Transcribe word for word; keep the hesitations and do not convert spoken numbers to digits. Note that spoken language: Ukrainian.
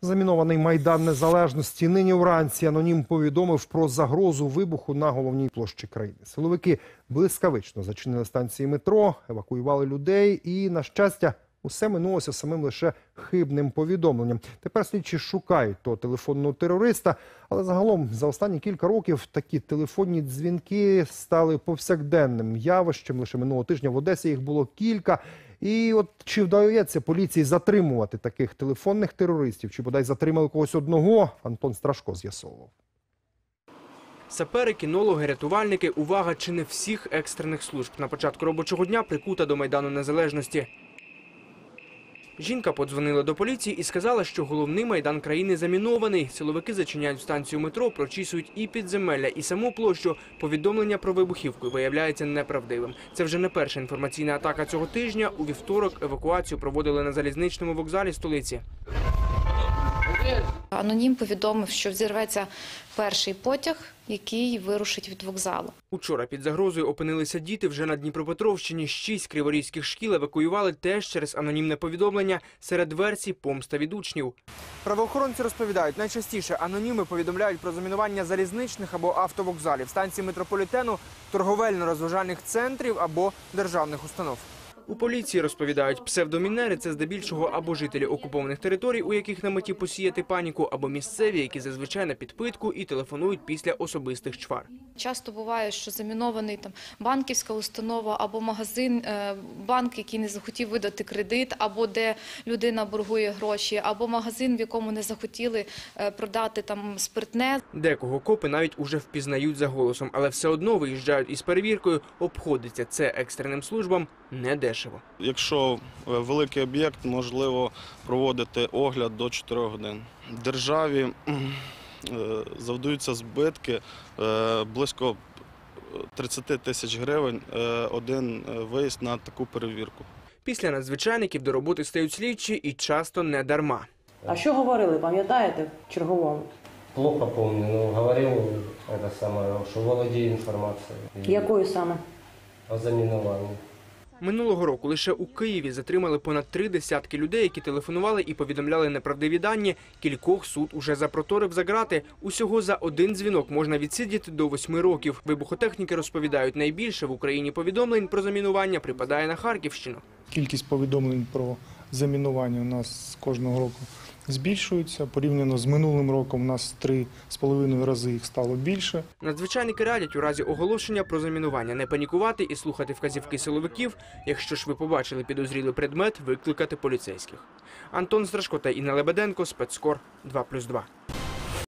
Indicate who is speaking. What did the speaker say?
Speaker 1: Замінований Майдан Незалежності. Нині вранці анонім повідомив про загрозу вибуху на головній площі країни. Силовики блискавично зачинили станції метро, евакуювали людей і, на щастя, усе минулося самим лише хибним повідомленням. Тепер слідчі шукають того телефонного терориста, але загалом за останні кілька років такі телефонні дзвінки стали повсякденним явищем. Лише минулого тижня в Одесі їх було кілька. І от чи вдається поліції затримувати таких телефонних терористів, чи бодай затримали когось одного, Антон Страшко з'ясовував.
Speaker 2: Сапери, кінологи, рятувальники – увага чи не всіх екстрених служб. На початку робочого дня прикута до Майдану Незалежності. Жінка подзвонила до поліції і сказала, що головний майдан країни замінований. Силовики зачиняють станцію метро, прочісують і підземелля, і саму площу. Повідомлення про вибухівку виявляється неправдивим. Це вже не перша інформаційна атака цього тижня. У вівторок евакуацію проводили на залізничному вокзалі столиці.
Speaker 3: Анонім повідомив, що взірветься перший потяг, який вирушить від вокзалу.
Speaker 2: Учора під загрозою опинилися діти вже на Дніпропетровщині. Шість криворізьких шкіл евакуювали теж через анонімне повідомлення. Серед версій – помста від учнів. Правоохоронці розповідають, найчастіше аноніми повідомляють про замінування залізничних або автовокзалів, станцій метрополітену, торговельно-розважальних центрів або державних установ. У поліції розповідають, псевдомінери – це здебільшого або жителі окупованих територій, у яких на меті посіяти паніку, або місцеві, які зазвичай на підпитку і телефонують після особистих чвар.
Speaker 3: Часто буває, що замінований там банківська установа або магазин, банк, який не захотів видати кредит, або де людина боргує гроші, або магазин, в якому не захотіли продати там спиртне. Декого копи навіть уже впізнають за голосом, але все одно виїжджають із перевіркою. Обходиться це екстреним службам недешево.
Speaker 4: Якщо великий об'єкт, можливо проводити огляд до чотирьох годин. Державі завдаються збитки близько тридцяти тисяч гривень один виїзд на таку перевірку.
Speaker 2: Після надзвичайників до роботи стають слідчі і часто не дарма.
Speaker 5: А що говорили, пам'ятаєте, черговому?
Speaker 6: Плохо помню, но говорил это самое, что володеє інформацією.
Speaker 5: Якою саме?
Speaker 6: О замінуванні.
Speaker 2: Минулого року лише у Києві затримали понад три десятки людей, які телефонували і повідомляли неправдиві дані. Кількох суд уже запроторив за ґрати. Усього за один дзвінок можна відсидіти до восьми років. Вибухотехніки розповідають, найбільше в Україні повідомлень про замінування припадає на Харківщину.
Speaker 7: Кількість повідомлень про замінування у нас кожного року збільшується. Порівняно з минулим роком у нас три з половиною рази їх стало більше.
Speaker 2: Надзвичайники радять у разі оголошення про замінування не панікувати і слухати вказівки силовиків. Якщо ж ви побачили підозрілий предмет, викликати поліцейських. Антон Страшко та Інна Лебеденко, Спецкор два плюс два.